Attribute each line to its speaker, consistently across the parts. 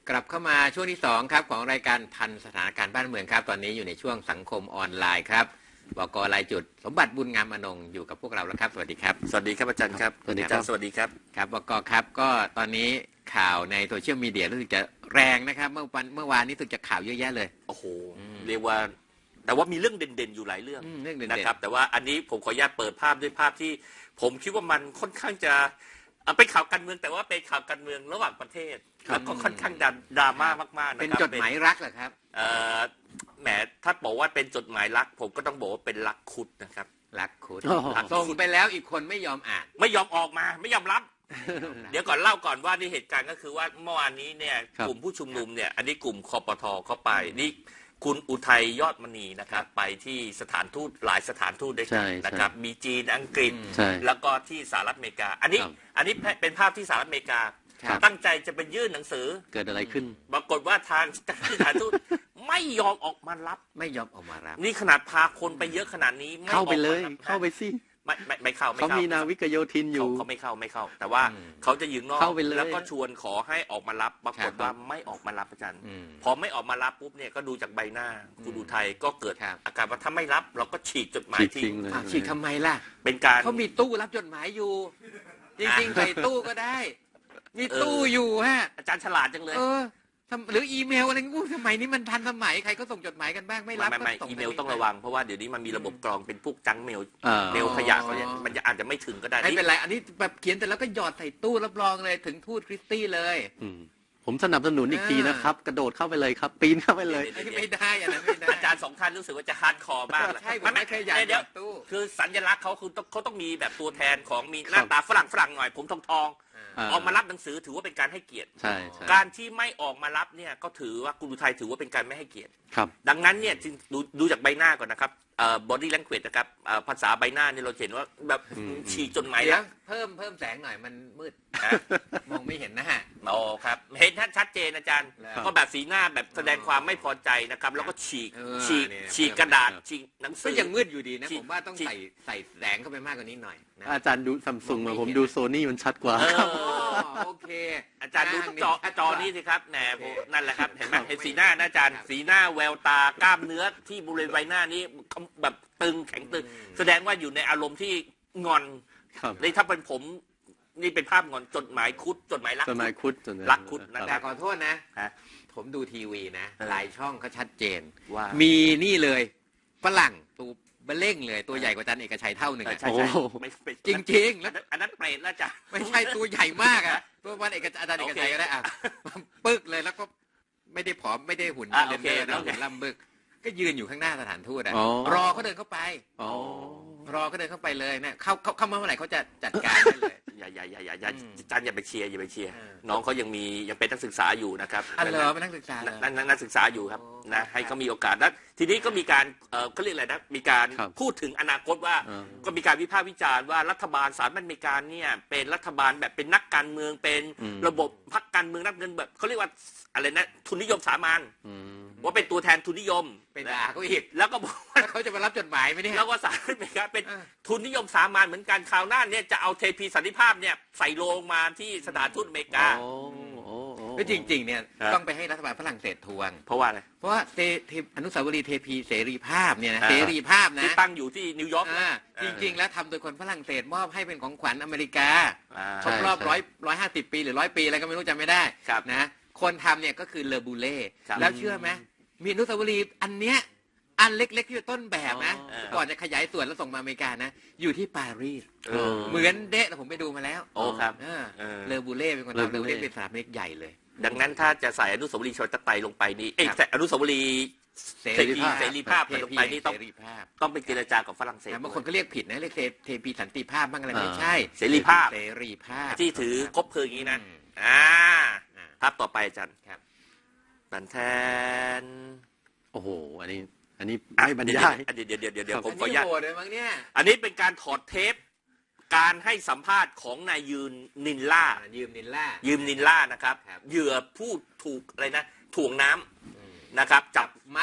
Speaker 1: กลับเข้ามาช่วงที่2ครับของรายการทันสถานการณ์บ้านเมืองครับตอนนี้อยู่ในช่วงสังคมออนไลน์ครับบก.รายจุดสมบัติบุญงามอนงค์อยู่กับพวกเราแล้วครับสวัสดีครับ
Speaker 2: สวัสดีครับอาจารย์ครับ
Speaker 1: สวัสดีครับ
Speaker 2: สวัสดีครับ
Speaker 1: ครับบก.ครับก็ตอนนี้ข่าวในโซเชียลมีเดียรู้สึกจะแรงนะครับเมื่อวานนี้รู้สึกจะข่าวเยอะแยะเลย
Speaker 2: โอ้โหเรียกว่าแต่ว่ามีเรื่องเด่นๆอยู่หลายเรื่องนะครับแต่ว่าอันนี้ผมขออนุญาตเปิดภาพด้วยภาพที่ผมคิดว่ามันค่อนข้างจะเป็นข่าวการเมืองแต่ว่าเป็นข่าวการเมืองระหว่างประเทศแล้วก็ค่อนข้างดราม่ามากๆนะครับ
Speaker 1: เป็นจดหมายรักเหรอครับ
Speaker 2: แหมถ้าบอกว่าเป็นจดหมายรักผมก็ต้องบอกว่าเป็นรักคุดนะครับ
Speaker 1: รักคุดส่งไปแล้วอีกคนไม่ยอมอ่าน
Speaker 2: ไม่ยอมออกมาไม่ยอมรับเดี๋ยวก่อนเล่าก่อนว่านี่เหตุการณ์ก็คือว่าเมื่อวานนี้เนี่ยกลุ่มผู้ชุมนุมเนี่ยอันนี้กลุ่มคปท.เข้าไปนี่คุณอุทัยยอดมณีนะครับไปที่สถานทูตหลายสถานทูตด้วยกันนะครับมีจีนอังกฤษแล้วก็ที่สหรัฐอเมริกาอันนี้เป็นภาพที่สหรัฐอเมริกาตั้งใจจะไปยื่นหนังสือ
Speaker 3: เกิดอะไรขึ้น
Speaker 2: ปรากฏว่าทางสถานทูตไม่ยอมออกมารับนี่ขนาดพาคนไปเยอะขนาดนี้
Speaker 3: เข้าไปเลยเข้าไปสิ
Speaker 2: ไม่เข้า
Speaker 3: เขามีนาวิกโยธินอยู่
Speaker 2: เขาไม่เข้าแต่ว่าเขาจะยืนนอกแล้วก็ชวนขอให้ออกมารับปรากฏว่าไม่ออกมารับอาจารย์พอไม่ออกมารับปุ๊บเนี่ยก็ดูจากใบหน้าคุณอุทัยก็เกิดอาการว่าถ้าไม่รับเราก็ฉีกจดหมายทิ้ง
Speaker 1: ฉีกทำไมล่ะ
Speaker 2: เป็นการ
Speaker 1: เขามีตู้รับจดหมายอยู่จริงๆใส่ตู้ก็ได้มีตู้อยู่ฮะ
Speaker 2: อาจารย์ฉลาดจังเลย
Speaker 1: หรืออีเมลอะไรงูสมัยนี้มันทันสมัยใครก็ส่งจดหมายกันบ้างไม่รับ
Speaker 2: ไม่อีเมลต้องระวังเพราะว่าเดี๋ยวนี้มันมีระบบกรองเป็นพวกจังเมลขยะเขาเนี่ยมันอาจจะไม่ถึงก็ได้
Speaker 1: ไม่เป็นไรอันนี้แบบเขียนแต่แล้วก็หยอดใส่ตู้รับรองเลยถึงทูตคริสตี้เลย
Speaker 3: ผมสนับสนุนอีกทีนะครับกระโดดเข้าไปเลยครับปีนเข้าไปเลย
Speaker 1: ไม่ได้อันนั้นไม่ได้
Speaker 2: อาจารย์2 ท่านรู้สึกว่าจะฮาร์ดคอร์มากเลย
Speaker 1: ใช่ไม่เคยอยากหยอดตู้
Speaker 2: คือสัญลักษณ์เขาต้องมีแบบตัวแทนของมีหน้าตาฝรั่งหน่อยผมทองออกมารับหนังสือถือว่าเป็นการให้เกียรติการที่ไม่ออกมารับเนี่ยก็ถือว่าคุณอุทัยถือว่าเป็นการไม่ให้เกียรติดังนั้นเนี่ยจึงดูจากใบหน้าก่อนนะครับbody language นะครับภาษาใบหน้าเนี่ยเราเห็นว่าแบบฉีกจนหมายแล้ว
Speaker 1: เพิ่มแสงหน่อยมันมืดมองไม่เห็นนะฮะ
Speaker 2: อ๋อครับเห็นชัดเจนอาจารย์ก็แบบสีหน้าแบบแสดงความไม่พอใจนะครับแล้วก็ฉีกกระดาษฉีกหนังสือ
Speaker 1: ก็ยังมืดอยู่ดีนะผมว่าต้องใส่แสงเข้าไปมากกว่านี้หน่อย
Speaker 3: อาจารย์ดูซัมซุงมาผมดูโซนี่มันชัดกว่า
Speaker 1: โอเค
Speaker 2: อาจารย์ดูจอนี้สิครับแหนนั่นแหละครับเห็นไหมเห็นสีหน้าอาจารย์สีหน้าแววตากล้ามเนื้อที่บริเวณใบหน้านี้แบบตึงแข็งตึงแสดงว่าอยู่ในอารมณ์ที่งอนเลยถ้าเป็นผมนี่เป็นภาพงอนจดหมายคุดจดหมายรักคุด
Speaker 1: แต่ขอโทษนะผมดูทีวีนะหลายช่องเขาชัดเจนว่ามีนี่เลยฝรั่งตัวเบลเล่งเลยตัวใหญ่กว่าอาจารย์เอกชัยเท่าหนึ่งจริงๆแล้ว
Speaker 2: อันนั้นเปรตแล้วจ้ะ
Speaker 1: ไม่ใช่ตัวใหญ่มากอ่ะตัววันอาจารย์เอกชัยก็ได้อ่ะปึ๊กเลยแล้วก็ไม่ได้ผอมไม่ได้หุ่นเลนเดอร์นะหุ่นล่ำบึกก็ยืนอยู่ข้างหน้าสถานทูตอ่ะรอเขาเดินเข้าไปรอเขาเดินเข้าไปเลยเนี่ยเข้ามาเมื่อไหร่เขาจะจัดการได้เลย
Speaker 2: อย่าจันอย่าไปเชียร์น้องเขายังเป็นนักศึกษาอยู่นะครับ
Speaker 1: เป็นนักศึกษา
Speaker 2: นักศึกษาอยู่ครับนะให้เขามีโอกาสแล้วทีนี้ก็มีการเขาเรียกอะไรนะมีการพูดถึงอนาคตว่าก็มีการวิพากษ์วิจารณ์ว่ารัฐบาลสหรัฐอเมริกาเนี่ยเป็นรัฐบาลแบบเป็นนักการเมืองเป็นระบบพรรคการเมืองนักเงินแบบเขาเรียกว่าอะไรนะทุนนิยมสามัญว่าเป็นตัวแทนทุนนิยม
Speaker 1: เป็นด่าเขาอีก
Speaker 2: แล้วก็บอกว่า
Speaker 1: เขาจะมารับจดหมายไหมเนี่ย
Speaker 2: แล้วก็สหรัฐอเมริกาเป็นทุนนิยมสามัญเหมือนกันคราวหน้าเนี่ยจะเอาเทพีสันติภาพเนี่ยใส่โลงมาที่สถานทูตอเมริกา
Speaker 1: ก็จริงๆเนี่ยต้องไปให้รัฐบาลฝรั่งเศสทวง
Speaker 2: เพราะว่าอะไร
Speaker 1: เพราะว่าอนุสาวรีย์เทพีเสรีภาพเนี่ยนะเสรีภาพนะ
Speaker 2: ที่ตั้งอยู่ที่นิวยอร์ก
Speaker 1: จริงๆแล้วทำโดยคนฝรั่งเศสมอบให้เป็นของขวัญอเมริกาครบรอบ150 ปีหรือ100 ปีอะไรก็ไม่รู้จำไม่ได้นะคนทำเนี่ยก็คือเลอบูเล่แล้วเชื่อไหมมีอนุสาวรีย์อันเนี้ยอันเล็กๆที่ต้นแบบนะก่อนจะขยายส่วนแล้วส่งมาอเมริกานะอยู่ที่ปารีสเหมือนเดะผมไปดูมาแล้ว
Speaker 2: โอ้ครับ
Speaker 1: เลอบูเล่เป็นคนทำเลอบูเล่เป็นสถาปนิกใหญ่เลย
Speaker 2: ดังนั้นถ้าจะใส่อนุสาวรีย์ชนตะไตลงไปนี่ใส่อนุสาวรีย์เสรีภาพลงไปนี่ต้องไปเจรจากับฝรั่งเศส
Speaker 1: บางคนก็เรียกผิดนะเรียกเทพีสันติภาพบ้างอะไรไม่ใช่
Speaker 2: เสรีภาพ
Speaker 1: ที่
Speaker 2: ถือคบเพลิงอย่างนี้นะภาพต่อไปอาจารย์บันแทน
Speaker 3: โอ้โหอันนี้ไม่บรรยาย
Speaker 2: เดี๋ยวผมขออนุญาต
Speaker 1: อั
Speaker 2: นนี้เป็นการถอดเทปการให้สัมภาษณ์ของนายยืมนินล่านะครับเหยื่อผู้ถูกอะไรนะถ่วงน้ำนะครับจับ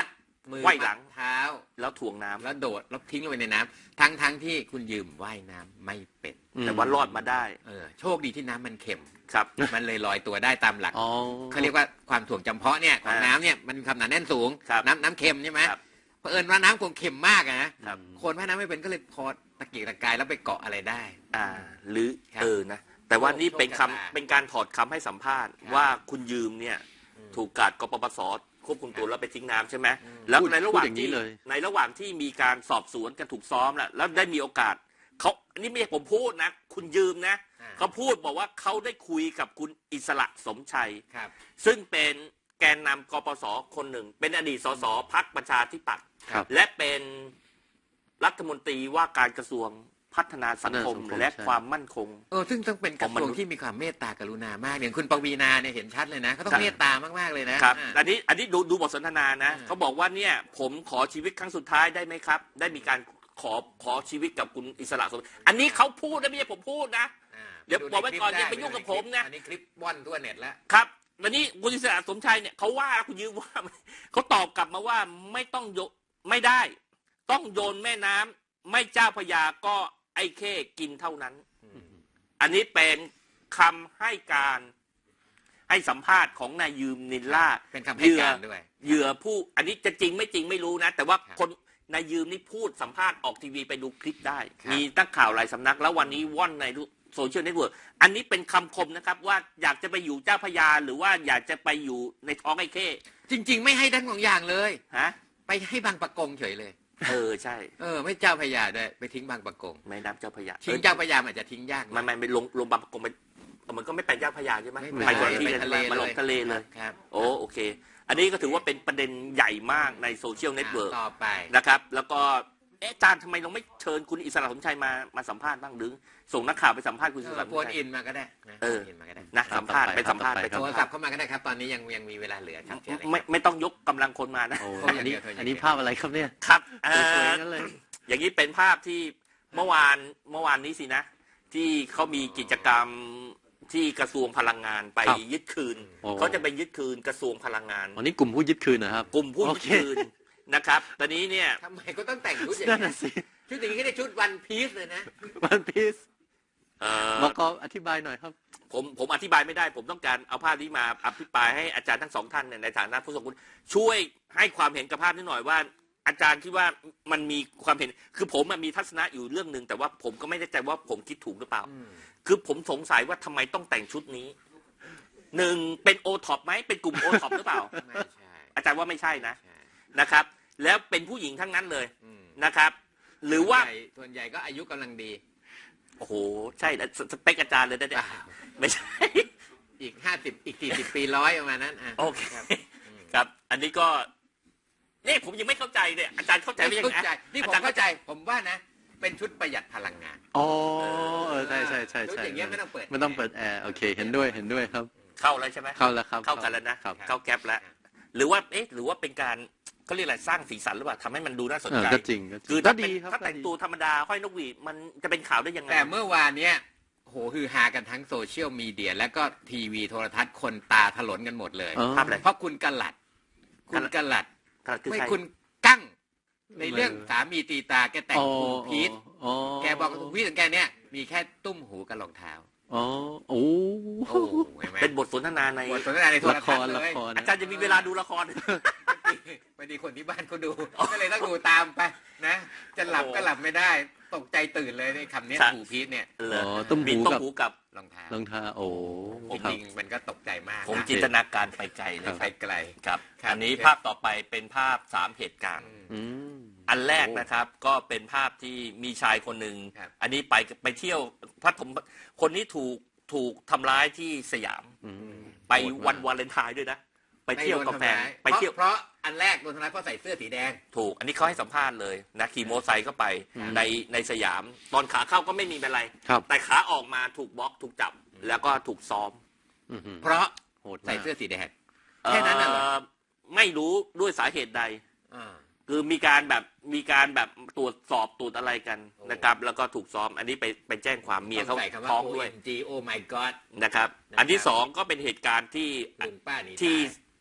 Speaker 1: มือ
Speaker 2: ไขว้หลัง
Speaker 1: เท้า
Speaker 2: แล้วถ่วงน้ำ
Speaker 1: แล้วโดดแล้วทิ้งลงไปในน้ำทั้งที่คุณยืมว่ายน้ำไม่เป็น
Speaker 2: แต่ว่ารอดมาได้
Speaker 1: โชคดีที่น้ำมันเค็ม
Speaker 2: ครับ
Speaker 1: มันเลยลอยตัวได้ตามหลัก
Speaker 3: อ๋อ
Speaker 1: เขาเรียกว่าความถ่วงจำเพาะเนี่ยของน้ำเนี่ยมันความหนาแน่นสูง
Speaker 2: ครับ
Speaker 1: น้ำเค็มใช่ไหม
Speaker 2: ครับ
Speaker 1: เผอิญว่าน้ำคงเค็มมากอะนะครับ คนว่ายน้ำไม่เป็นก็เลยพอตะเกียกตะกายแล้วไปเกาะอะไรได้
Speaker 2: หรือ
Speaker 1: ครับ
Speaker 2: นะแต่ว่านี่
Speaker 1: โชค
Speaker 2: เป็น
Speaker 1: ชะตา
Speaker 2: เป็นการถอดคำให้สัมภาษณ์
Speaker 1: ครับ
Speaker 2: ว่าคุณยืมเนี่ยถูกกาดกปปสควบคุมตัว
Speaker 1: ครับ
Speaker 2: แล้วไปทิ้งน้ำใช่ไหมแล้ว
Speaker 3: พูด
Speaker 2: ในระหว่าง
Speaker 3: พูดอย่างนี้
Speaker 2: ที่
Speaker 3: เลย
Speaker 2: ในระหว่างที่มีการสอบสวนกันถูกซ้อมแล้วได้มีโอกาสเขาอันนี้ไม่ใช่ผมพูดนะ คุณยืมนะเขาพูดบอกว่าเขาได้คุยกับคุณอิสระสมชัย
Speaker 1: ครับ
Speaker 2: ซึ่งเป็นแกนนำกปสคนหนึ่ง เป็นอดีตสสพรรคประชาธิปัตย์
Speaker 3: ครับ
Speaker 2: และเป็นรัฐมนตรีว่าการกระทรวงพัฒนาสังคม
Speaker 3: พัฒนาสังคม
Speaker 2: และ
Speaker 3: ใช่
Speaker 2: ความมั่นคง
Speaker 1: ซึ่งต้องเป็นกระทรวงที่มีความเมตตากรุณามากอย่างคุณปวีณาเนี่ยเห็นชัดเลยนะเขาต้อ
Speaker 2: ครั
Speaker 1: ง
Speaker 2: บ
Speaker 1: เมตตามากๆเลยนะครับ
Speaker 2: อันนี้ดูบทสนทนานะ
Speaker 1: อ่า
Speaker 2: เขาบอกว่าเนี่ยผมขอชีวิตครั้งสุดท้ายได้ไหมครับ ได้มีการขอชีวิตกับคุณอิสระสมอันนี้เขาพูดนะไม่ใช่ผมพูดนะ เดี๋ยวบอกไว้ก่อนอย่าไปยุ่งกับผมนะ
Speaker 1: อันนี้คลิปว่อนทั่วเน็ตแล้ว
Speaker 2: ครับวันนี้คุณอิสระสมชัยเนี่ยเขาว่าคุณยืมว่า เขาตอบกลับมาว่าไม่ต้องไม่ได้ ต้องโยนแม่น้ำไม่เจ้าพระยาก็ไอ้เข้กินเท่านั้น อันนี้เป็นคำให้การให้สัมภาษณ์ของนายยืมนินล่า
Speaker 1: เป็นคำให้การด้วย
Speaker 2: เหยื่อผู้อันนี้จะจริงไม่จริงไม่รู้นะ แต่ว่า
Speaker 1: ครับ
Speaker 2: คนนายยืมนี่พูดสัมภาษณ์ออกทีวีไปดูคลิปได้
Speaker 1: ครับ
Speaker 2: มีนักข่าวหลายสำนัก แล้ววันนี้ว่อนในโซเชียลเน็ตเวิร์กอันนี้เป็นคำคมนะครับ ว่าอยากจะไปอยู่เจ้าพระยาหรือว่าอยากจะไปอยู่ในท้องไอ้เข้
Speaker 1: จริง ๆ ไม่ให้ทั้งสองอย่างเลย
Speaker 2: ฮะ
Speaker 1: ไปให้บางปะกงเฉยเลย
Speaker 2: ใช่
Speaker 1: ไม่เจ้าพระยาด้วยไปทิ้งบางปะกง
Speaker 2: ไม่นับเจ้าพระยา
Speaker 1: ทิ้งเจ้าพระยาอาจจะทิ้งยากหน่อย
Speaker 2: ไม่ลงบางประกงไปมันก็ไม่ไปเจ้าพระยาใช่ไหม
Speaker 1: ไม่
Speaker 2: ไปคนละที่
Speaker 1: ไป
Speaker 2: เลย
Speaker 1: ทะเล
Speaker 2: มาลงทะเลเลย
Speaker 1: ครับ
Speaker 2: โอเค อันนี้ก็ถือว่าเป็นประเด็นใหญ่มากในโซเชียลเน็ตเวิร์ก
Speaker 1: ต่อไป
Speaker 2: นะครับ แล้วก็อาจารย์ทำไมเราไม่เชิญคุณอิสระสมชัยมาสัมภาษณ์บ้างหรือส่งนักข่าวไปสัมภาษณ์คุณอิสระสม
Speaker 1: โฟน
Speaker 2: ชัย
Speaker 1: อินมาก็ได้นะ
Speaker 2: เออ
Speaker 1: โฟนอินมาก็ได้
Speaker 2: นะสัมภาษณ์ไปสัมภาษณ์ไป
Speaker 3: ครั
Speaker 1: โท
Speaker 3: บ
Speaker 1: รศัพท์เข้ามาก็ได้ครับ ตอนนี้ยังมีเวลาเหลือครับเชิญเลยครับ
Speaker 2: ไม่ต้องยกกำลังคนมานะ
Speaker 3: โอ้
Speaker 1: โอ้อย่าง
Speaker 3: อันนี้
Speaker 1: เดียวเธออย่างเดียว
Speaker 3: อันนี้ภาพอะไรครับเนี่ย
Speaker 2: ครับ
Speaker 3: สวยๆนั่นเลย
Speaker 2: อย่างนี้เป็นภาพที่เมื่อวานนี้สินะ ที่เขามีกิจกรรมที่กระทรวงพลังงานไป
Speaker 3: ครับ
Speaker 2: ยึดคืน
Speaker 3: โอ้
Speaker 2: เขาจะไปยึดคืนกระทรวงพลังงาน
Speaker 3: วันนี้กลุ่มผู้ยึดคืนนะครับ
Speaker 2: กลุ่มผู้
Speaker 3: โอ
Speaker 2: ยึด
Speaker 3: เค
Speaker 2: คืนนะครับ ตอนนี้เนี่ย
Speaker 1: ทำไมก็ต้องแต่งชุดอย่าง
Speaker 3: นั่น
Speaker 1: นี้
Speaker 3: น่ะสิ
Speaker 1: ชุดอย่างนี้ก็ได้ชุดวันพีซเลยนะ
Speaker 3: วันพีซ
Speaker 2: เอ่อ
Speaker 3: บอกก็อธิบายหน่อยครับ
Speaker 2: ผมอธิบายไม่ได้ ผมต้องการเอาภาพนี้มาอภิปรายให้อาจารย์ทั้งสองท่านเนี่ยในฐานะผู้ทรงคุณช่วยให้ความเห็นกับภาพนี้หน่อยว่า อาจารย์คิดว่ามันมีความเห็นคือผมมีทัศนะอยู่เรื่องหนึ่งแต่ว่าผมก็ไม่แน่ใจว่าผมคิดถูกหรือเปล่า คือผมสงสัยว่าทำไมต้องแต่งชุดนี้หนึ่งเป็นโอท็อปไหมเป็นกลุ่มโอท็อปหรือเปล่า
Speaker 1: ไม่ใช่
Speaker 2: อาจารย์ว่าไม่ใช่นะ
Speaker 1: ใช่
Speaker 2: นะครับ แล้วเป็นผู้หญิงทั้งนั้นเลย
Speaker 1: อืม
Speaker 2: นะครับ หรือว่า
Speaker 1: ส่วนใหญ่ก็อายุกำลังดี
Speaker 2: โอ้โหใช่แล้วสเปคอาจารย์เลยนะเนี่ยไม่ใช่
Speaker 1: อีก50อีก40ปี100ประมาณนั้นอ่ะ
Speaker 2: โอเค
Speaker 1: ครับ
Speaker 2: ครับ อันนี้ก็นี่ผมยังไม่เข้าใจเลยอาจารย์เข้าใจไหมยัง
Speaker 1: เข้า
Speaker 2: ไง
Speaker 1: ใจนี่ผม
Speaker 2: อจรย์
Speaker 1: เข้าใจผมว่านะ เป็นชุดประหยัดพลังงาน
Speaker 3: อ๋อใช่ใช่ใช่
Speaker 1: ชุด
Speaker 3: ใช่
Speaker 1: อย่างเงี้ยไม่ต้องเปิด
Speaker 3: ไม่ต้องเปิดแอร์โอเคเห็นด้วยครับ
Speaker 2: เข้าแล้วใช่ไหม
Speaker 3: เข้าแล้วครับ
Speaker 2: เข้ากันแล้วนะครับ เข้าแก๊ปแล้ว หรือว่าหรือว่าเป็นการเขาเรียกอะไรสร้างสีสันหรือเปล่าทำให้มันดูน่าสนใจ
Speaker 3: ก็จริง
Speaker 2: คือ
Speaker 3: ก็
Speaker 2: ถ้า
Speaker 3: ดี
Speaker 2: เป็น
Speaker 3: ครับ
Speaker 2: ถ้าแต่งตัวธรรมดาห้อยนกหวีดมันจะเป็นข่าวได้ยังไง
Speaker 1: แต่เมื่อวานเนี้ยโหคือฮากันทั้งโซเชียลมีเดีย แล้วก็ทีวีโทรทัศน์คนตาถลนกันหมดเลย
Speaker 2: ภาพอะไร
Speaker 1: เพราะคุณกลัด คุณกลัด
Speaker 2: คือ
Speaker 1: ไม่
Speaker 2: ใคร
Speaker 1: คุณกั้ง ในเรื่องสามีตีตาแกแต่งหูพีท
Speaker 3: อ๋อ
Speaker 1: แกบอกหูพีทของแกเนี่ยมีแค่ตุ้มหูกับรองเท้า
Speaker 3: อ๋อโอ้
Speaker 1: โอ้เห็นไหม
Speaker 2: เป็นบทสนทนาใน
Speaker 1: บทสนทนาในโทร
Speaker 3: ละค
Speaker 1: ทัศ
Speaker 3: ร
Speaker 1: น์เล
Speaker 3: ละ
Speaker 1: ย
Speaker 3: คร
Speaker 2: อาจารย์จะมีเวลาดูละคร
Speaker 1: พอดีคนที่บ้านเขาดูก็เลยต้องดูตามไปนะ จะหลับก็หลับไม่ได้ ตกใจตื่นเลยในคำเนี้ย
Speaker 2: ใช่
Speaker 1: หูพีทเนี่ย
Speaker 2: เหรอ
Speaker 3: ต้ม
Speaker 2: มี
Speaker 3: หู
Speaker 2: ต้ม
Speaker 3: กับ
Speaker 2: หูกับ
Speaker 1: รองเท้าร
Speaker 3: องเท้าโอ้
Speaker 1: จ
Speaker 3: ครับ
Speaker 1: ริงๆมันก็ตกใจมาก
Speaker 2: ผม
Speaker 1: นะ
Speaker 2: จินตนาการไปไกลเลย
Speaker 1: ไปไกล
Speaker 2: ครับ
Speaker 1: ครับ
Speaker 2: อันนี้ภาพต่อไปเป็นภาพ3เหตุการณ์
Speaker 3: อืม
Speaker 2: อันแรกนะครับก็เป็นภาพที่มีชายคนหนึ่ง
Speaker 1: ครับ
Speaker 2: อันนี้ไปเที่ยวพัทมคนนี้ถูกทำร้ายที่สยาม
Speaker 3: อืม
Speaker 2: ไปวันวาเลนไทน์ด้วยนะ ไปเที่ยวกับแฟนไปเที่ยว
Speaker 1: เพราะอันแรกโดนทำร้ายเพราะใส่เสื้อสีแดง
Speaker 2: ถูก อันนี้เขาให้สัมภาษณ์เลยนะขี่มอเตอร์ไซค์เข้าไป
Speaker 3: อืม
Speaker 2: ในสยาม ตอนขาเข้าก็ไม่มีเป็นไร
Speaker 3: ครับ
Speaker 2: แต่ขาออกมาถูกบล็อกถูกจับ แล้วก็ถูกซ้อม
Speaker 3: อืม
Speaker 1: เพราะ
Speaker 3: โหดมาก
Speaker 1: ใส่เสื้อสีแดง แค่นั้นน่ะเหรอ
Speaker 2: ไม่รู้ด้วยสาเหตุใด
Speaker 1: อ่า
Speaker 2: คือมีการแบบตรวจสอบตรวจอะไรกัน
Speaker 1: โอ้
Speaker 2: นะครับ แล้วก็ถูกซ้อม อันนี้ไปแจ้งความเมียเขา
Speaker 1: ต้องใส่คำว่า
Speaker 2: ท้องด้วย
Speaker 1: OMG Oh my God
Speaker 2: นะครับ
Speaker 1: นะครับ
Speaker 2: อันที่สองก็เป็นเหตุการณ์ที่
Speaker 1: ลุงป้าหนี
Speaker 2: ที่
Speaker 1: ตาย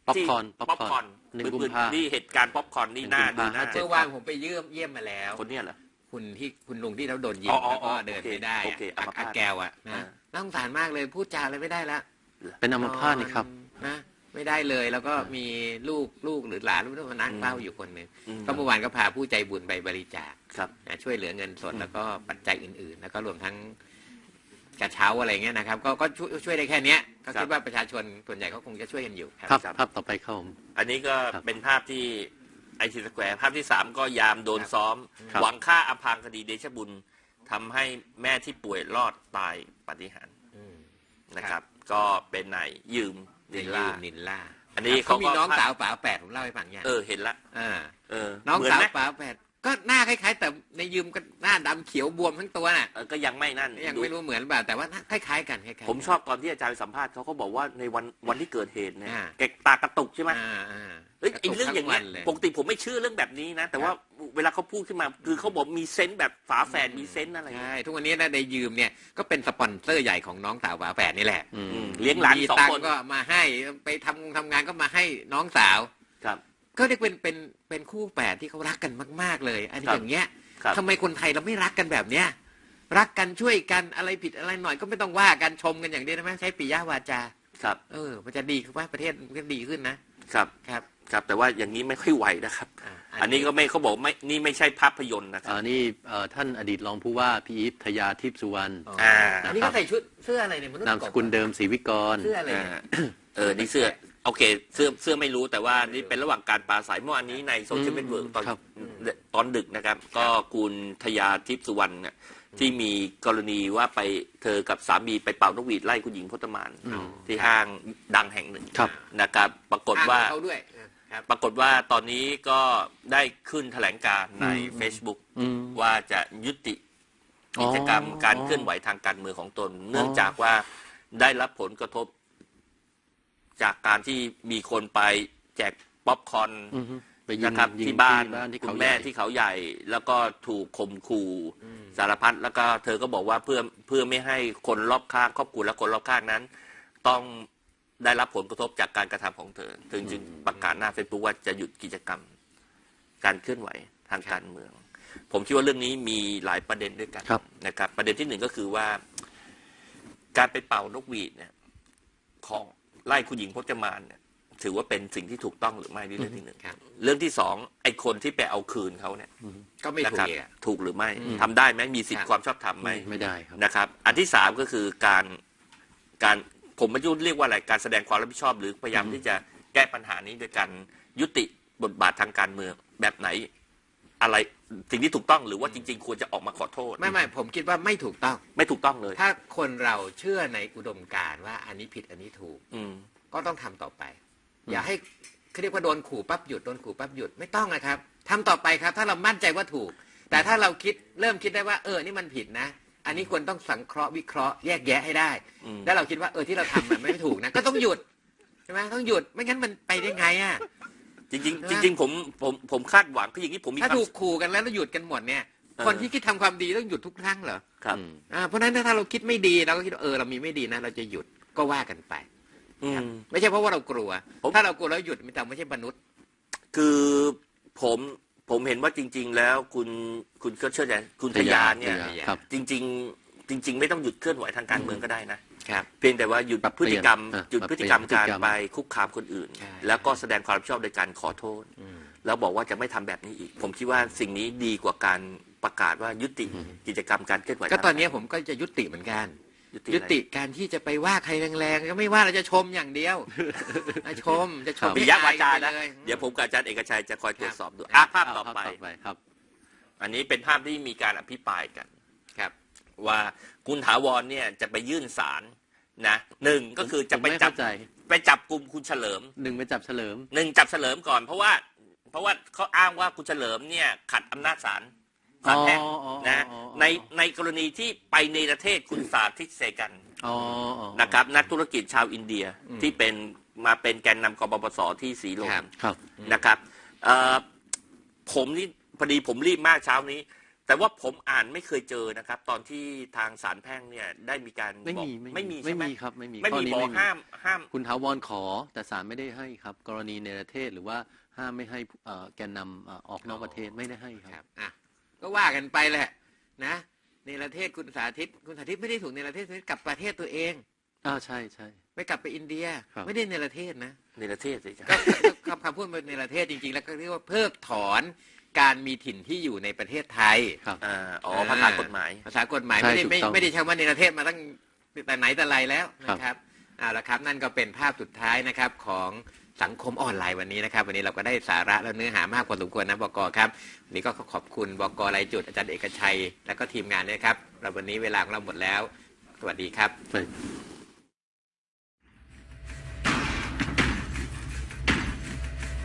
Speaker 3: ป๊อป
Speaker 2: ที่
Speaker 3: คอร์น
Speaker 2: ป๊อปคอร์น
Speaker 3: 1 กุมภา
Speaker 2: นี่เหตุการณ์ป๊อปคอร์นนี่น่าดูน่า
Speaker 3: 1
Speaker 1: เมื่อวานผมไปเยี่ยมมาแล้ว
Speaker 2: คนเนี้ยเหรอ
Speaker 1: คุณลุงที่เขาโดนยิง
Speaker 2: อ๋อ
Speaker 1: แล้วก็เดินไม่ได้
Speaker 2: โอเคอัมพาต
Speaker 1: อาแกวอ่ะนะน่าสงสารมากเลยพูดจาอะไรไม่ได้ละ
Speaker 3: เป็นอัมพาตนี่ครับ
Speaker 1: นะไม่ได้เลยแล้วก็มีลูกหรือหลานมานั่งเฝ้าอยู่คนหนึ่งก็เมื่อวานก็พาผู้ใจบุญไปบริจาค
Speaker 2: ครับ
Speaker 1: ช่วยเหลือเงินสดแล้วก็ปัจจัยอื่นๆ แล้วก็รวมทั้งกระเช้าอะไรเงี้ยนะครับก็ช่วยได้แค่เนี้ยก็คิดว่าประชาชนส่วนใหญ่เขาคงจะช่วยกันอยู่ครับ
Speaker 3: ภาพต่อไปครับผม
Speaker 2: อันนี้ก็
Speaker 3: ครับ
Speaker 2: เป็นภาพที่ไอทีสแควร์ภาพที่ 3 ก็ยามโดนซ้อม
Speaker 3: ครับ
Speaker 2: หวังฆ่าอำพรางคดีเดชบุญทำให้แม่ที่ป่วยรอดตายปาฏิหาริย์
Speaker 1: อืม
Speaker 2: นะครับ ก็เป็นนายยืมนิลล่า
Speaker 1: นินล่า
Speaker 2: อันนี้
Speaker 1: เขา
Speaker 2: เขาก็
Speaker 1: มีน้องสาวป๋าแปดผมเล่าให้ฟังยัง
Speaker 2: เห็นละ
Speaker 1: น้อง
Speaker 2: เหมื
Speaker 1: สาว
Speaker 2: ไหม
Speaker 1: ป๋าแปดก็หน้าคล้ายๆแต่ในยืมก็หน้าดำเขียวบวมทั้งตัวน่ะ
Speaker 2: ก็ยังไม่นั่น
Speaker 1: ยังไม่รู้เหมือนเปล่าแต่ว่าคล้ายๆกันคล้ายๆ
Speaker 2: ผมชอบตอนที่อาจารย์ไปสัมภาษณ์เขาบอกว่าในวันที่เกิดเหตุเนี่ย
Speaker 1: อ่า
Speaker 2: แกตากระตุกใช่ไหม
Speaker 1: อ่า
Speaker 2: เอ้ยไอ้เรื่องอย่างเงี้ย
Speaker 1: กระตุกทั้งวันเลย
Speaker 2: ปกติผมไม่เชื่อเรื่องแบบนี้นะ แต่ว่าเวลาเขาพูดขึ้นมาคือเขาบอกมีเซนส์แบบฝาแฝดมีเซนส์อะไรอย่าง
Speaker 1: ใช่
Speaker 2: เงี้ย
Speaker 1: ทุกวันนี้นะในยืมเนี่ยก็เป็นสปอนเซอร์ใหญ่ของน้องสาวป๋าแปดนี่แหละ
Speaker 2: เลี้ยงหลาน
Speaker 1: มี
Speaker 2: 2
Speaker 1: ตัง
Speaker 2: คน
Speaker 1: ค์ก็มาให้ไปทำงานก็มาให้น้องสาว
Speaker 2: ครับ
Speaker 1: ก็เรียกเป็นคู่แฝดที่เขารักกันมากๆเลย อันนี้
Speaker 2: ครับ
Speaker 1: อย่างเงี้ย
Speaker 2: ครับ
Speaker 1: ทำไมคนไทยเราไม่รักกันแบบเนี้ยรักกันช่วยกันอะไรผิดอะไรหน่อยก็ไม่ต้องว่ากันชมกันอย่างเดียวนะไหมใช้ปิยวาจา
Speaker 2: ครับ
Speaker 1: มันจะดีขึ้นว่าประเทศมันก็ดีขึ้นนะครับ ครับ
Speaker 2: ครับแต่ว่าอย่างนี้ไม่ค่อยไหวนะครับ อันนี้ก็ไม่เขาบอกไม่นี่ไม่ใช่ภาพยนตร์นะครับ
Speaker 3: นี่ท่านอดีตรองผู้ว่าพี่อีททยาทิพย์สุวรรณ
Speaker 1: อันนี้ก็ใส่ชุดเสื้ออะไรเนี่ยมนุษย์
Speaker 3: นามสกุลเดิมศรีวิกร
Speaker 1: เสื้ออะไรเนี่ย
Speaker 2: นี่เสื้อโอเคเสื้อไม่รู้แต่ว่านี่เป็นระหว่างการปราศัยเมื่อวานนี้ในโซเชียลเน็ตเวิร์กตอนดึกนะครับ ก็คุณทยาทิพย์สุวรรณเนี่ยที่มีกรณีว่าไปเธอกับสามีไปเป่านกหวีดไล่คุณหญิงพจมานที่ห้างดังแห่งหนึ่ง
Speaker 3: ครับ
Speaker 2: นะครับปรากฏว่า
Speaker 1: เขาด้วยครับ
Speaker 2: ปรากฏว่าตอนนี้ก็ได้ขึ้นแถลงการณ์ใน Facebook ว่าจะยุติกิจกรรมการเคลื่อนไหวทางการเมืองของตน เนื่องจากว่าได้รับผลกระทบ จากการที่มีคนไปแจกป๊อปคอร์น
Speaker 3: ไปยิง
Speaker 2: นะครับ
Speaker 3: ยิง
Speaker 2: ที่บ้าน
Speaker 3: ที่
Speaker 2: คุ
Speaker 3: เขา
Speaker 2: ณ
Speaker 3: ให
Speaker 2: แม่
Speaker 3: ญ่
Speaker 2: ที่เขาใหญ่ แล้วก็ถูกข่มขู่สารพัดแล้วก็เธอก็บอกว่าเพื่อไม่ให้คนรอบข้างครอบครัวและคนรอบข้างนั้น ต้องได้รับผลกระทบจากการกระทำของเธอจึงประกาศหน้าเฟซบุ๊กว่าจะหยุดกิจกรรม การเคลื่อนไหวทางการเมือง ผมคิดว่าเรื่องนี้มีหลายประเด็นด้วยกันนะครับ ประเด็นที่หนึ่งก็คือว่า การไปเป่านกหวีดเนี่ยของไล่คุณหญิงพจมานเนี่ยถือว่าเป็นสิ่งที่ถูกต้องหรือไม่นี่เรื่องที่หนึ่ง
Speaker 1: ครับ
Speaker 2: เรื่องที่สองไอ้คนที่ไปเอาคืนเขาเนี่ย
Speaker 1: ก็ไม่
Speaker 2: นะ
Speaker 1: ถู
Speaker 2: ค
Speaker 1: ก
Speaker 2: รับ
Speaker 1: อีกอะ
Speaker 2: ถูกหรือไม่ทำได้ไหมมีสิท
Speaker 1: ครั
Speaker 2: ธิ
Speaker 1: บ
Speaker 2: ความชอบธรรมไหม
Speaker 3: ไม่ได้ครับ
Speaker 2: นะครับ อันที่สามก็คือการผมไม่รู้เรียกว่าอะไรการแสดงความรับผิดชอบ หรือพยายามที่จะแก้ปัญหานี้โดยการยุติบทบาททางการเมืองแบบไหน อะไรสิ่งที่ถูกต้องหรือว่าจริง ๆ ควรจะออกมาขอโทษ
Speaker 1: ไม่ผมคิดว่าไม่ถูกต้อง
Speaker 2: ไม่ถูกต้องเลย
Speaker 1: ถ้าคนเราเชื่อในอุดมการณ์ว่าอันนี้ผิดอันนี้ถูก
Speaker 2: อืม
Speaker 1: ก็ต้องทำต่อไป อย่าให้เขาเรียกว่าโดนขู่ปั๊บหยุดโดนขู่ปั๊บหยุดไม่ต้องนะครับทำต่อไปครับ ถ้าเรามั่นใจว่าถูก แต่ถ้าเราเริ่มคิดได้ว่านี่มันผิดนะ อันนี้ควรต้องสังเคราะห์วิเคราะห์แยกแยะให้ได้ แล้วเราคิดว่าที่เราทำมันไม่ถูกนะ ก็ต้องหยุดใช่ไหมต้องหยุดไม่งั้นมันไปได้ไงอ่ะ
Speaker 2: จริงๆผมคาดหวังคืออย่างนี้ผมมี
Speaker 1: ถ้า
Speaker 2: ความ
Speaker 1: ถูกขู่กันแล้วหยุดกันหมดเนี่ย คนที่คิดทำความดีต้องหยุดทุกครั้งเหรอ
Speaker 2: ครับ
Speaker 1: เพราะฉะนั้นถ้าเราคิดไม่ดีเราก็คิดว่าเรามีไม่ดีนะเราจะหยุดก็ว่ากันไป
Speaker 2: อืม
Speaker 1: ไม่ใช่เพราะว่าเรากลัว ถ้าเรากลัวแล้วหยุดแต่ไม่ใช่มนุษย์
Speaker 2: คือผมเห็นว่าจริง ๆ แล้วคุณก็เชื่อใจคุณทยาเนี่ย
Speaker 3: ครับ
Speaker 2: จริง ๆ ไม่ต้องหยุดเคลื่อนไหวทางการเมืองก็ได้นะ
Speaker 1: ครับ
Speaker 2: เพียงแต่ว่าหยุด
Speaker 3: ปรับ
Speaker 2: พฤติกรรม
Speaker 3: เปลี่ยน
Speaker 2: หยุดพฤติกรรม
Speaker 3: ปรับเปลี่ยน
Speaker 2: การ
Speaker 3: พฤติกรรม
Speaker 2: ไปคุกคามคนอื่น
Speaker 1: ใช่
Speaker 2: แล้วก็แสดงความรับผิดชอบโดยการขอโทษ แล้วบอกว่าจะไม่ทำแบบนี้อีก ผมคิดว่าสิ่งนี้ดีกว่าการประกาศว่ายุติกิจกรรมการเคลื่อนไหว
Speaker 1: ก็ตอนนี้ผมก็จะยุติเหมือนกัน ยุติการที่จะไปว่าใครแรงๆก็ไม่ว่าเราจะชมอย่างเดียวชมจะชม
Speaker 2: ปิยวาจา
Speaker 1: ไป
Speaker 2: นะ
Speaker 1: เลย
Speaker 2: เดี๋ยวผมกับอาจารย์เอกชัยจะคอยตรวจสอบดู
Speaker 3: ครับ
Speaker 2: ภาพต่อไป
Speaker 3: ครับ
Speaker 2: อันนี้เป็นภาพที่มีการอภิปรายกัน
Speaker 1: ครับ
Speaker 2: ว่าคุณถาวรเนี่ยจะไปยื่นศาลนะหนึ่งก็คือจะไป
Speaker 3: ผมไม่
Speaker 2: จับ
Speaker 3: เข้าใจ
Speaker 2: ไปจับกลุ่มคุณเฉลิม
Speaker 3: หนึ่งไปจับเฉลิม
Speaker 2: หนึ่งจับเฉลิมก่อนเพราะว่าเขาอ้างว่าคุณเฉลิมเนี่ยขัดอำนาจศาลแพ่งนะในกรณีที่ไปในประเทศคุณสาธิตเสกัน นะครับนักธุรกิจชาวอินเดียที่มาเป็นแกนนำกบปสที่สีลม
Speaker 3: ครับ
Speaker 2: นะครับผมนี่พอดีผมรีบมากเช้านี้แต่ว่าผมอ่านไม่เคยเจอนะครับ ตอนที่ทางศาลแพ่งเนี่ยได้มีการ
Speaker 3: ไม่
Speaker 2: บอก
Speaker 3: มี
Speaker 2: ไม่มี
Speaker 3: ไม่
Speaker 2: ใช่ไหม
Speaker 3: มีครับไม่มี
Speaker 2: ไม่
Speaker 3: ข้อ
Speaker 2: มี
Speaker 3: นี้
Speaker 2: บอก
Speaker 3: ไม่มี
Speaker 2: ห้าม
Speaker 3: คุณถาวรขอแต่ศาลไม่ได้ให้ครับ กรณีในประเทศหรือว่าห้ามไม่ให้แกนนำออกนอกประเทศไม่ได้ให้ค
Speaker 1: ค
Speaker 3: รั
Speaker 1: รับ บอ่ะก็ว่ากันไปแหละนะในประเทศคุณสาธิตไม่ได้ถูกในประเทศกลับประเทศตัวเอง
Speaker 3: ใช่ใช่
Speaker 1: ไม่กลับไปอินเดีย
Speaker 3: ครับ
Speaker 1: ไม่ได้ในประเทศนะ
Speaker 2: ในประเทศสิครับ
Speaker 1: ก็คำพูดในประเทศจริงๆ แล้วก็เรียกว่าเพิกถอนการมีถิ่นที่อยู่ในประเทศไทย
Speaker 3: ครับ
Speaker 2: ภาษากฎหมาย
Speaker 1: ภาษากฎหมาย
Speaker 3: ใช่
Speaker 1: ไม่ได้
Speaker 3: ถูกต้อง
Speaker 1: ไม่ได้ใช้ว่าในประเทศมาตั้งแต่ไหนแต่ไรแล้วนะครับเอาละครับนั่นก็เป็นภาพสุดท้ายนะครับของสังคมออนไลน์วันนี้นะครับ วันนี้เราก็ได้สาระและเนื้อหามากพอสมควรนะบก.ครับวันนี้ก็ขอบคุณบก.รายจุดอาจารย์เอกชัยและก็ทีมงานด้วยครับเราวันนี้เวลาของเราหมดแล้วสวัสดีครับ